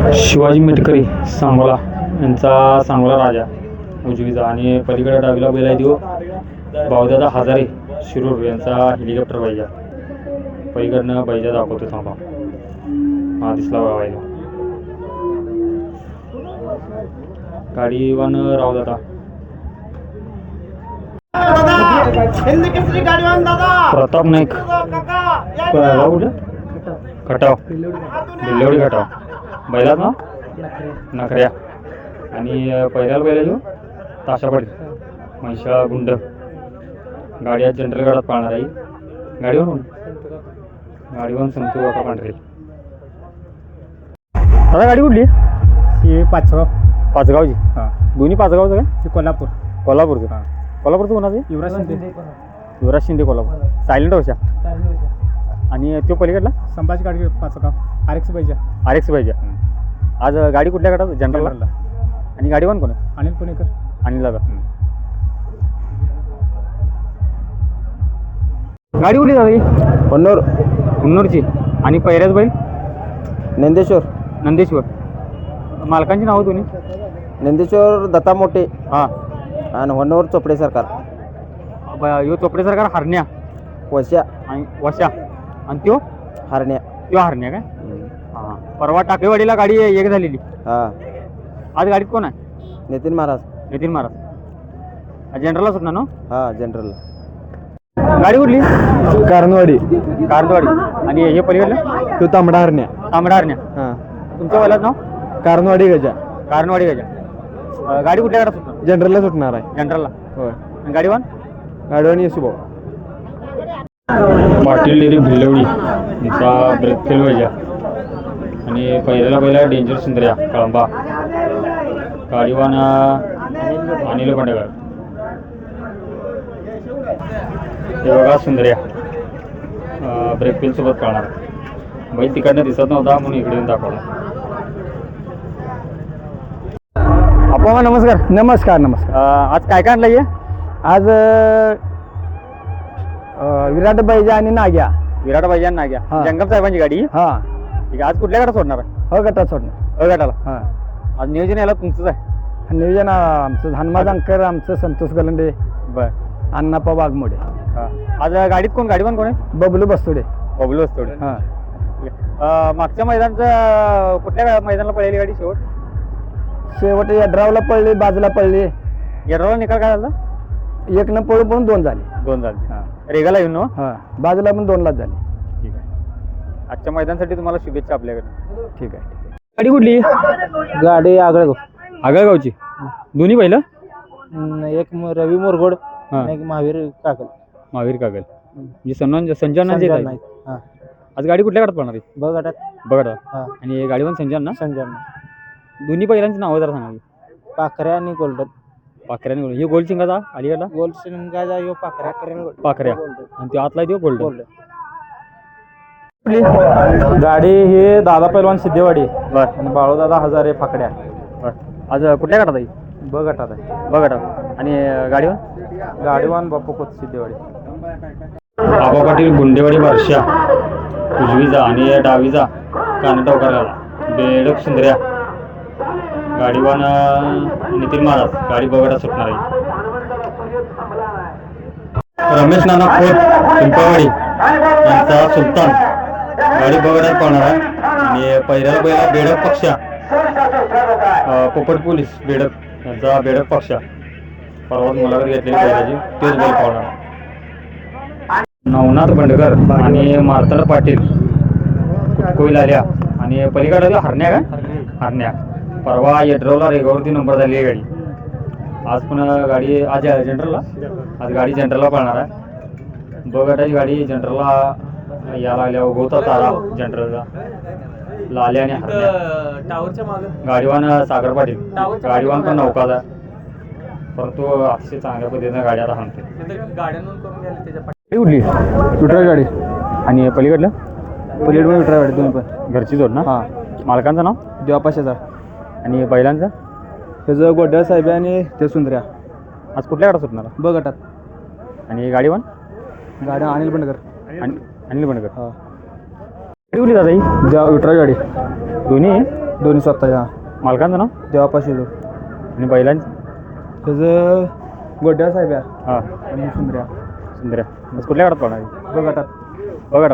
शिवाजी मेटकरी सांगोला यांचा सांगोला राजा उजवीचा आणि पलीकडे डावीला बैल आहे देऊ बावदादा हजारे शिरूर यांचा हेलिकॉप्टर पाहिजे. पलीकडनं बैजा दाखवतो थांबा. हा दिसला बघा गाडी वन रावदादा प्रताप नाईक कुठं खटाव दिल्लेवडी खटाव बैलात ना नखऱ्या आणि पहिल्याला बैला घेऊ ताशापाडी म्हैशाळा गुंड. गाडी आज जनरल गाडात पाळणार आहे. गाडीवर संतू बापा पांढरे. आता गाडी कुठली ही पाचगावची. हां दोन्ही पाचगावचं काय? ते कोल्हापूरचं. हां कोल्हापूरचं कोणाचं? युवराज शिंदे कोल्हापूर. सायलेंट होशा. आणि तो पलीकडला संभाजी गाडी पाचगाव RX पाहिजे. आज गाडी कुठल्या गटात? जनरलला. आणि गाडी कोण आहे? अनिल पुणेकर. अनिल दादा. गाडी कुठली दादा? कन्नूरची. आणि पहिल्याच बैल नंदेश्वर. मालकांची नावं दोन्ही? नंदेश्वर दत्ता मोठे हां आणि होन्नवर चोपडे सरकार. यो चोपडे सरकार हरण्या वशा आणि वशा. आणि त्यो हरण्या काय? हां परवा टाकेवाडीला गाडी एक झालेली. हां आज गाडीत कोण आहे? नितीन महाराज. जनरलला सुटणार ना? हां जनरल. गाडी कुठली? कारणवाडी. आणि हे पलीकडलं तो तांबडा हरण्या. हां तुमच्या बैलाचं नाव? कारणवाडी गजा. गाडी कुठल्या गाडात सुटणार? जनरलला सुटणार आहे. जनरलला. होय. आणि गाडीवान येसू पाटील डेरी भिल्लवडी यांचा ब्रेक फेल पाहिजे. आणि पहिला डेंजर सुंदर्या कळंबा. गाडीवान अनिल बंडगर. हे बघा सुंदर्या ब्रेक फेल सोबत कळणार. बैल तिकडनं दिसत नव्हता म्हणून इकडे येऊन दाखवला. आपण नमस्कार. आज काय आणलं हे? आज विराट बैजा आणि नाग्या. हां. जंगम साहेबांची गाडी. हां ठीक आहे. आज कुठल्या गटात सोडणार आहे? गटात सोडणार. गटाला. हां आज नियोजन याला तुमचंच आहे? नियोजन आमचं हनुमा अंकर, आमचं संतोष गलंडे, बरं. अण्णाप्पा वाघमोडे. आज गाडीत गाडीवान कोण आहे? बबलू बस्तोडे. हां. मागच्या मैदानचं कुठल्या मैदानाला पळलेली गाडी शेवट यड्रावला पडली, बाजूला पडली. येरवला निकाल काय झाला? 1 पळून 2 झाली. हां. रेगाला येऊन. हां बाजूला पण 2 झाली. ठीक आहे. आजच्या मैदानासाठी तुम्हाला शुभेच्छा आपल्याकडे. ठीक आहे. गाडी कुठली? गाडी आगळगावची. दोन्ही पहिलं? एक रवी मोरगोड हां. एक महावीर कागल. म्हणजे संजय हां आज गाडी कुठल्या गटात पडणार आहे? बघा. हां आणि गाडीवान संजय ना? संजय. दोन्ही पहिल्यांची नावं जरा सांगा. पाखऱ्या आणि गोल्डन. पाखऱ्याने गोल्ड. हे गोल्ड शिंगाचा अलीकडला? गोल्ड शिंगाचा यो पाखऱ्या. आणि तो आतला देऊ गोल्ड. गाडी ही दादा पैलवान सिद्धेवाडी बर. आणि बाळूदादा हजारे फाकड्या. आज कुठल्या गटात आहे? गटात आहे. आणि गाडीवान? गाडीवान बापू खोत सिद्धेवाडी. आबा पाटील गुंडेवाडी वर्षा उजवीचा आणि डावीचा कानटवकरला बेडक सुंदर्या. गाडीवान नितीन महाराज. गाडी बघा सुटणार आहे. रमेश नाना खोत पिंपळवाडी यांचा सुलतान. गाडी बघा पळणार आहे. आणि पहिल्याला बैला बेडक पक्षा पोपट पोलीस बेडक यांचा बेडक पक्षा. परवा मुलाखत घेतलेली बैलाची तेच बैल पळणार. नवनाथ बंडकर आणि मार्तंड पाटील कोईल आल्या. आणि पलीकडे हरण्या. परवा येड्रावला रेगावरती नंबर झाली गाडी. आज पण गाडी आज गाडी जनरलला पळणार आहे. बघटाची गाडी जनरलला यायला लागल्या. गोता तारा जनरलला लाल्या आणि हरण्या. गाडीवान सागर पाटील. गाडीवान पण नौकाचा. परंतु अतिशय चांगल्या पद्धतीनं गाडी आता हाणते. उडली विठ्ठल गाडी. आणि पलीकडलं विठ्ठल गाडी दोन्ही पण घरची जोड ना? हां. मालकांचं नाव? देवापा शेजार. आणि बैलांचं? त्याचं गोड्या साहेब आणि ते सुंदर्या. आज कुठल्या गटात सुटणार? गटात. आणि गाडीवान? गाडी अनिल बंडकर. अनिल बंडकर. हां. गाडी उडली दादा ही? विठ्ठल गाडी. दोन्ही दोन्ही स्वतःच्या मालकांचं नाव देवापाशी आणि बैलांचं त्याचं गोड्या साहेब आहे हां आणि सुंदर्या सुंदर बस कुठल्या गाडात पडणार बघाटात बघा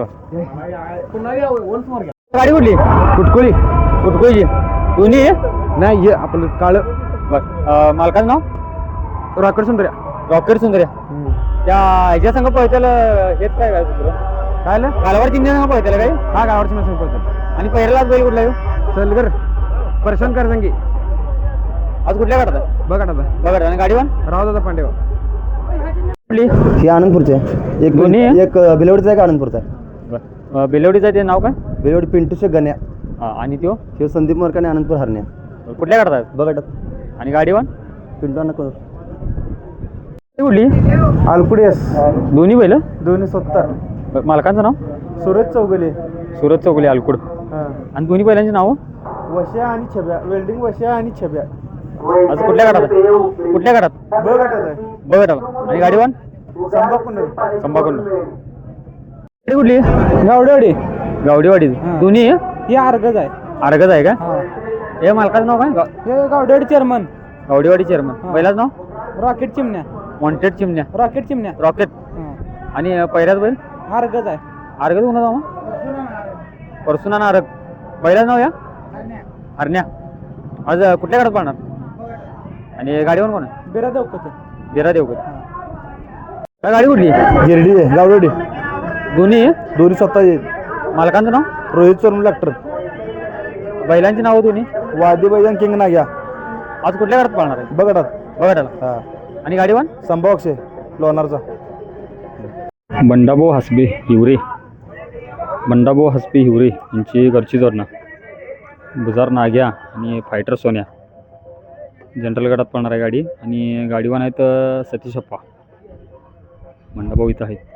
गाडी कुठली कुटकुळी कुठकोयची दोन्ही आहे? नाही हे आपलं काळं बरं मालकाचं नाव रॉकेट सुंदर्या रॉकेट सुंदर्या त्या ह्याच्या संघ पळतेला हेच काय काय दुसरं काय आलं गालावर चिन्ह संघ पळतेला काय हा गावाची मशीन पळतात आणि पहिल्यालाच बैल कुठला येऊ चलगर परशन कर संगी आज कुठल्या गाडात आहे बघाटात बघा आणि गाडीवान राव दादा पांडेवा कुठली हे आनंदपूरचे आहे एक दोन्ही आहे? एक बिलवडीचा आहे का आनंदपूरचा आहे बरं बेलवडीचं ते नाव काय बिलवडी पिंटूचे गण्या हां आणि त्यो हे संदीप मोरकाने आनंदपूर हरण्या कुठल्या गाडात आहे बघाटात आणि गाडीवान पिंटू नको कुठली आलकुडेस दोन्ही बैल दोन्ही 70 मालकांचं नाव सुरज चौगले सुरत चौगुले अल्कुड आणि दोन्ही बैलांची नावं वश्या आणि छब्या वेल्डिंग वश्या आणि छब्या आज कुठल्या गाडात आहे? कुठल्या गाडात बघाटात आहे बघा त्याला आणि गाडीवान संभाकुंड संभाकडून कुठली गावडेवाडी गावडीवाडी दोन्ही ही अर्गज आहे अर्गज आहे का हे मालकाचं नाव काय हे गावडेवाडी चेअरमन गावडीवाडी चेअरमन बैलाचं नाव rocket Chimanya wanted Chimanya rocket Chimanya rocket आणि पहिल्याच बैल अर्गज आहे अर्गज कोणाचं नाव परसुना ना अर्ग बैलाचं नाव या हरण्या आज कुठल्या गाडात पाहणार आणि गाडीवर कोण आहे बेरा देवकते बिरा देवकर काय गाडी कुठली गिरडी आहे गावडेवाडी दोन्ही दोन्ही स्वतः मालकांचं नाव रोहित चोरम डॉक्टर बैलांची नावं दोन्ही वादी बैजन किंग नाग्या आज कुठल्या गाडात पाहणार आहे बघाटात बघा त्याला हा आणि गाडीवान संभावक्षे लोणारचा बंडाभाऊ हसबे हिवरे बंडाभाऊ हसबे हिवरे यांची घरची जोडणं बुजार नाग्या आणि फायटर सोन्या जनरल गटात पडणार आहे गाडी आणि गाडीवान आहेत सतीश अप्पा बंडाभाऊ इथं आहेत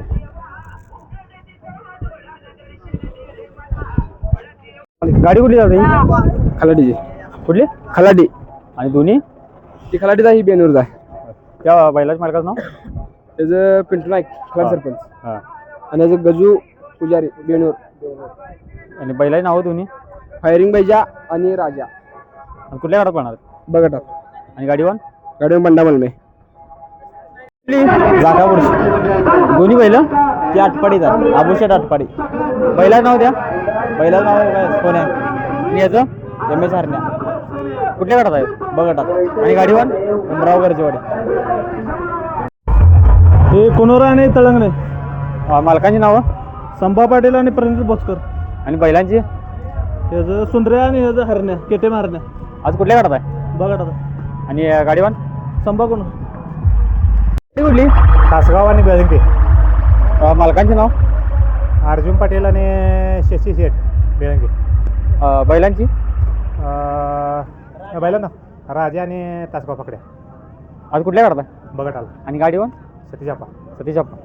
गाडी कुठली जाते खलाडीची कुठली खलाडी आणि दोन्ही ती खलाडीचा ही बेनूरचा आहे त्या बैलाच्या मालकाचं नाव त्याचं पिंटू नाईक खलाड सरपंच हां आणि त्याचं गजू पुजारी बेनूर आणि बैलाची नावं दोन्ही फायरिंग बैजा आणि राजा आणि कुठल्या गाडात पडणार बघाटात आणि गाडीवान गाडी बंडा मलमे जागापूरची दोन्ही बैल ती आटपाडीचा आभूषेट आटपाडी बैलाचं नाव द्या पहिल्याच नाव काय कोण आहे आणि याचं एम एस हरण्या कुठल्या गाडात आहे बघाटात आणि गाडीवान उमराव गरजेवाडी हे कोनोरा आणि तळंगणे मालकांची नावं संभा पाटील आणि प्रणित भोसकर आणि बैलांची ह्याचं सुंदर्या आणि ह्याचं हरण्या केटे हरण्या आज कुठल्या गाडात आहे बघाटात आणि गाडीवान संभा कोण कुठली तासगाव आणि बेळंके मालकांचे नाव अर्जुन पाटील आणि शशी शेठ बेळंके बैलांची बैला ना राजा आणि तासगाव पकड्या आज कुठल्या गाडात आहे बघत आला आणि गाडीवान सतीजापा सतीश अप्पा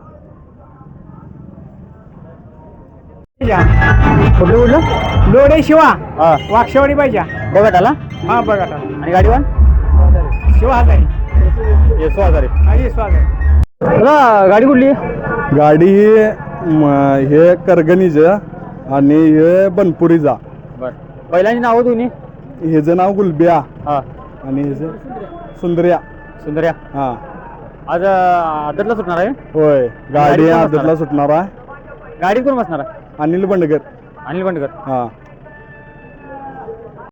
कुठलं कुठलं लोडे शिवा हां वाक्षवाडी पाहिजे बघा त्याला हा बघा आला आणि गाडीवान शिवा हजारी येसो आजारी हा येसो हजारी दादा गाडी कुठली गाडी हे करगणीचं आणि हे बनपुरीचा बरं बैलांची नावं दोन्ही ह्याचं नाव गुलबिया हां आणि ह्याचं सुंदर्या सुंदर्या हां आज आदरला सुटणार आहे होय गाडी गाडी कोण आदतला सुटणार आहे गाडी कोण बसणार आहे अनिल बंडकर अनिल बंडकर हां